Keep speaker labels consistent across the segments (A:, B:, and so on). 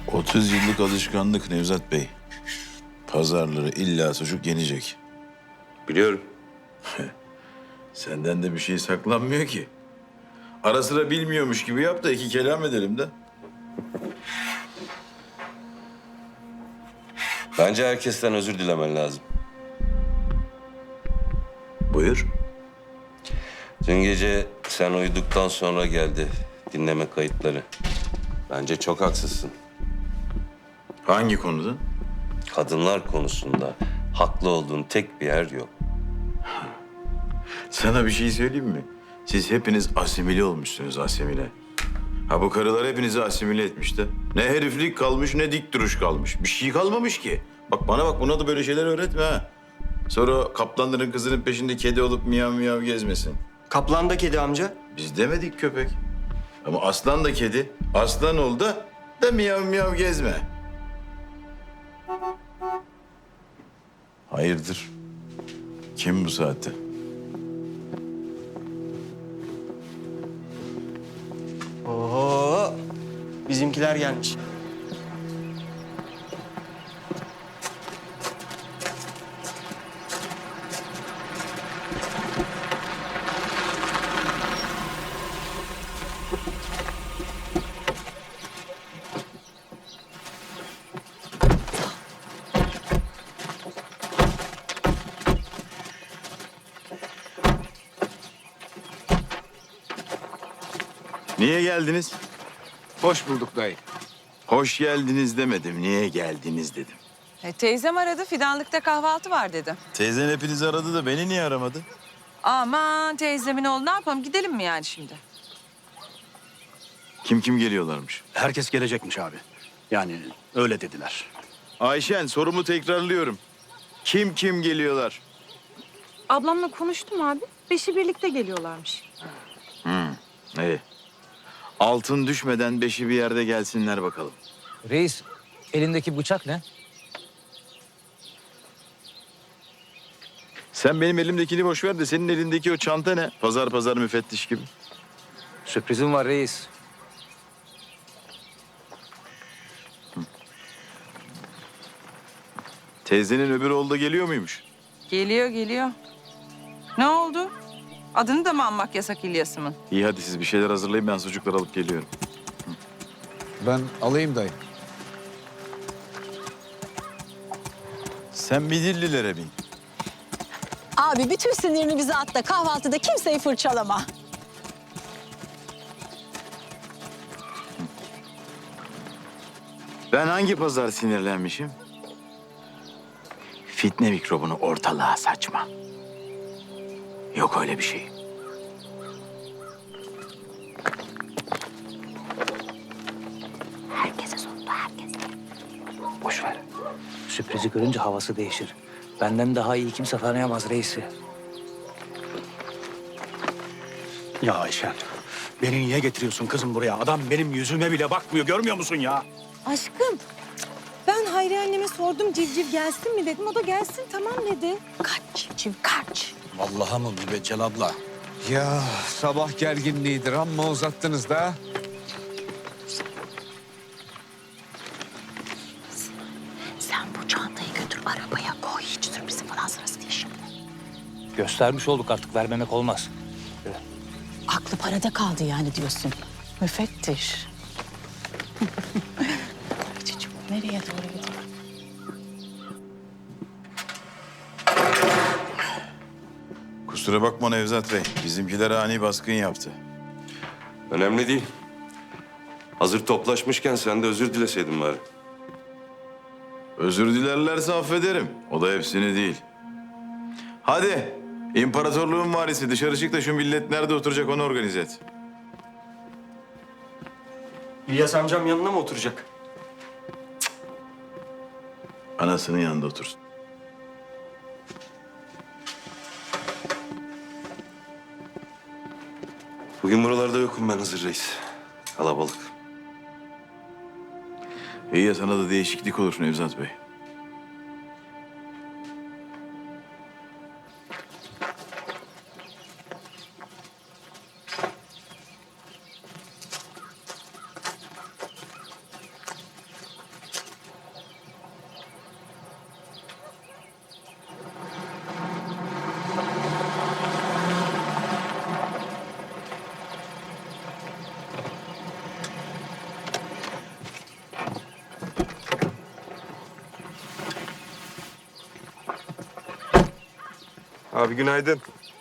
A: 30 yıllık alışkanlık Nevzat Bey. Pazarları illa sucuk yenecek.
B: Biliyorum.
A: Senden de bir şey saklanmıyor ki. Ara sıra bilmiyormuş gibi yap da iki kelam edelim de.
B: Bence herkesten özür dilemen lazım.
A: Buyur.
B: Dün gece sen uyuduktan sonra geldi dinleme kayıtları. Bence çok haksızsın.
A: Hangi konuda?
B: Kadınlar konusunda haklı olduğun tek bir yer yok.
A: Sana bir şey söyleyeyim mi? Siz hepiniz asimile olmuşsunuz, asimile. Ha bu karılar hepinizi asimile etmiş de. Ne heriflik kalmış ne dik duruş kalmış. Bir şey kalmamış ki. Bak bana bak, buna da böyle şeyler öğretme ha. Sonra kaplanların kızının peşinde kedi olup miyav miyav gezmesin.
C: Kaplan da kedi amca.
A: Biz demedik köpek. Ama aslan da kedi. Aslan ol da miyav miyav gezme. Hayırdır? Kim bu saatte?
C: Oho. Bizimkiler gelmiş.
A: Niye geldiniz?
D: Hoş bulduk dayı.
A: Hoş geldiniz demedim. Niye geldiniz dedim.
E: Teyzem aradı, fidanlıkta kahvaltı var dedi.
A: Teyzen hepinizi aradı da beni niye aramadı?
E: Aman teyzemin oğlu, ne yapalım, gidelim mi yani şimdi?
A: Kim geliyorlarmış?
D: Herkes gelecekmiş abi. Yani öyle dediler.
A: Ayşen, sorumu tekrarlıyorum. Kim geliyorlar?
F: Ablamla konuştum abi. Beşi birlikte geliyorlarmış.
A: İyi. Altın düşmeden beşi bir yerde gelsinler bakalım.
G: Reis, elindeki bıçak ne?
A: Sen benim elimdekini boş ver de senin elindeki o çanta ne? Pazar müfettiş gibi.
G: Sürprizim var reis.
A: Teyzenin öbür oğlu da geliyor muymuş?
E: Geliyor. Ne oldu? Adını da mı anmak yasak İlyas'ımın?
A: İyi hadi siz bir şeyler hazırlayın, ben sucukları alıp geliyorum.
H: Ben alayım dayı.
A: Sen Midillilere bin.
I: Abi bütün sinirini bize at da kahvaltıda kimseyi fırçalama.
A: Ben hangi pazar sinirlenmişim? Fitne mikrobunu ortalığa saçma. Yok öyle bir şey.
I: Herkese sordu, herkese.
G: Boş ver. Sürprizi görünce havası değişir. Benden daha iyi kimse tanıyamaz reisi.
D: Ya Ayşen, beni niye getiriyorsun kızım buraya? Adam benim yüzüme bile bakmıyor, görmüyor musun ya?
F: Aşkım, ben Hayri anneme sordum civciv gelsin mi dedim. O da gelsin tamam dedi.
I: Kaç civciv, kaç.
D: Vallahi mı Mübeccel abla?
H: Ya sabah gerginliğidir amma uzattınız da.
I: Sen bu çantayı götür arabaya koy. Hiç sürprizi falan sırası değil şimdi.
G: Göstermiş olduk, artık vermemek olmaz.
I: Aklı parada kaldı yani diyorsun. Müfettiş. Çocuğum nereye doğru gidiyor?
A: Kusura bakma Nevzat Bey. Bizimkiler ani baskın yaptı.
B: Önemli değil. Hazır toplaşmışken sen de özür dileseydin bari.
A: Özür dilerlerse affederim. O da hepsini değil. Hadi. İmparatorluğun varisi dışarı çık da şu millet nerede oturacak onu organize et.
C: İlyas amcam yanına mı oturacak?
A: Anasının yanında otursun.
B: Bugün buralarda yokum ben Hızır Reis. Kalabalık.
A: İyi ya, sana da değişiklik olur Nevzat Bey.
C: Abi günaydın.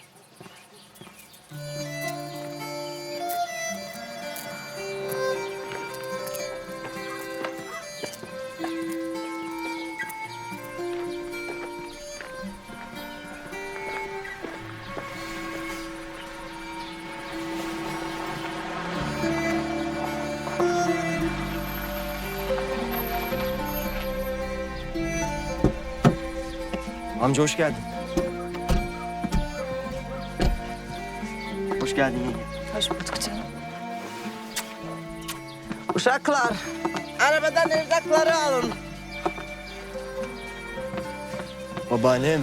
C: Amca hoş geldin. Hoş geldin yenge.
E: Hoş bulduk canım.
J: Uşaklar, arabadan erzakları alın.
C: Babaannem.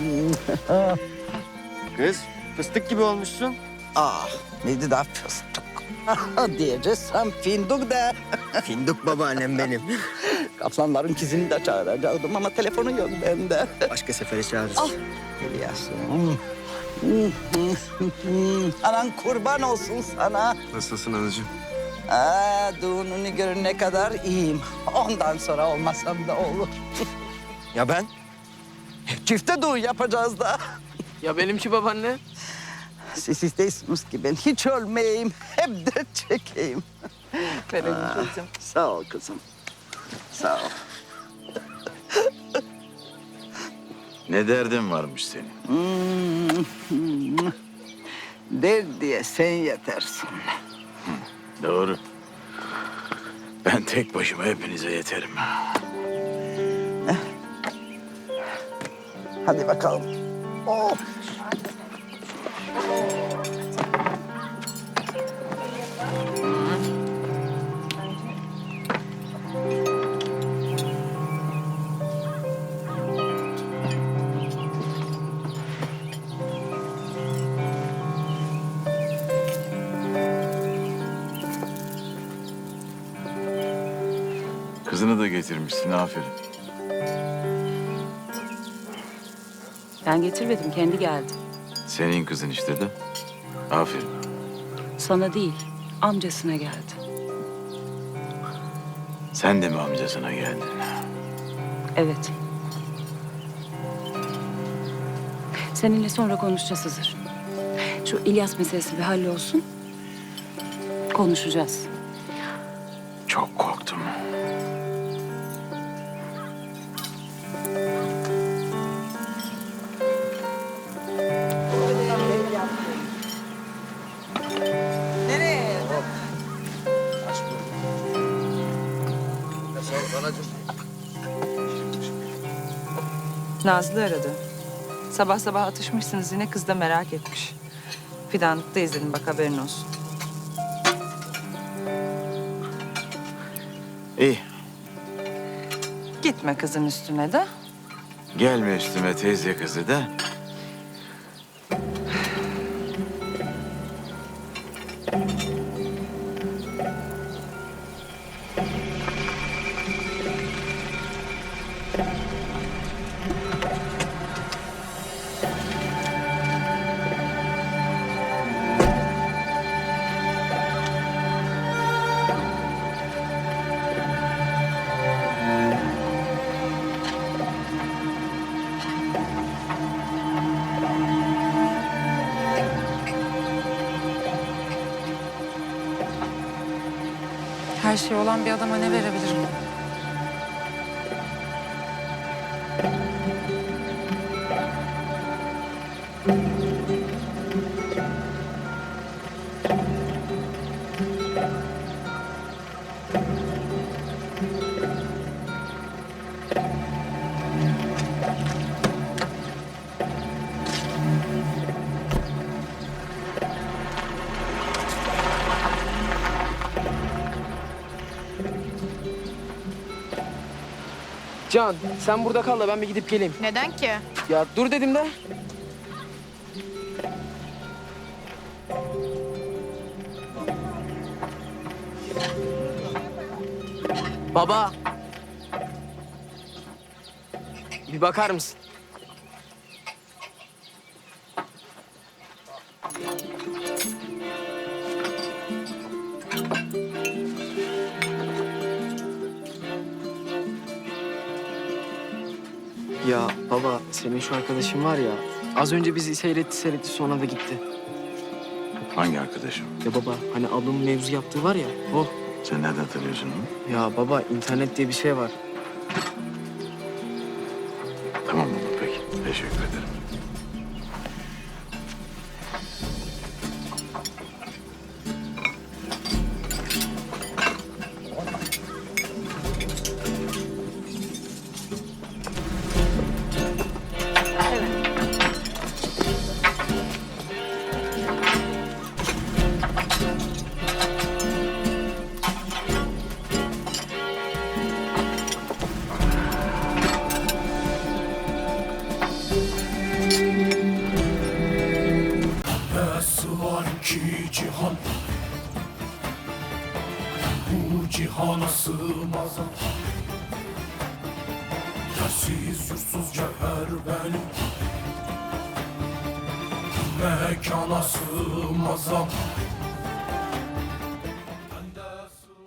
C: Kız fıstık gibi olmuşsun.
J: Ah, neydi da fıstık. Diyeceğim fındık da.
C: Fındık babaannem benim.
J: Kaplanların kızını da çağıracaktım ama telefonu yok bende.
C: Başka sefere çağırırız.
J: Biliyorsun. Anan kurban olsun sana.
C: Nasılsın anacığım?
J: Düğününü görene kadar iyiyim. Ondan sonra olmasam da olur.
C: Ya ben?
J: Çifte düğün yapacağız da.
C: Ya benimki babaanne?
J: Siz istiyorsunuz ki ben hiç ölmeyeyim, hep dert çekeyim.
E: Benim kızım.
J: Sağ ol kızım. Sağ ol.
A: Ne derdin varmış senin?
J: Der diye sen yetersin.
A: Doğru. Ben tek başıma hepinize yeterim.
J: Hadi bakalım. Oh.
A: Kızını da getirmişsin, aferin.
I: Ben getirmedim, kendi geldi.
A: Senin kızın işte de. Aferin.
I: Sana değil, amcasına geldi.
A: Sen de mi amcasına geldin?
I: Evet. Seninle sonra konuşacağız Hızır. Şu İlyas meselesi bir hallolsun. Konuşacağız.
A: Çok korktum.
J: Nereye?
E: Nazlı aradı. Sabah sabah atışmışsınız yine, kız da merak etmiş. Fidanlıkta izledim, bak haberin olsun.
A: İyi,
E: Gitme kızın üstüne de.
A: gelme üstüme teyze kızı da.
E: Her şey olan bir adama ne verebilirim?
K: Can, sen burada kal da ben bir gidip geleyim.
F: Neden ki?
K: Ya dur dedim de. Baba. Bir bakar mısın?
C: Ya baba senin şu arkadaşın var ya
K: Az önce bizi seyretti sonra da gitti.
A: Hangi arkadaşım?
K: Ya baba hani ablamın mevzu yaptığı var ya o.
A: Sen nereden tanıyorsun onu?
K: Ya baba internet diye bir şey var.
A: Tamam baba peki. Teşekkür ederim.
L: Var ki cihan, bu cihana sığmaz. Yersiz yursuz cevher benim, mekana sığmaz.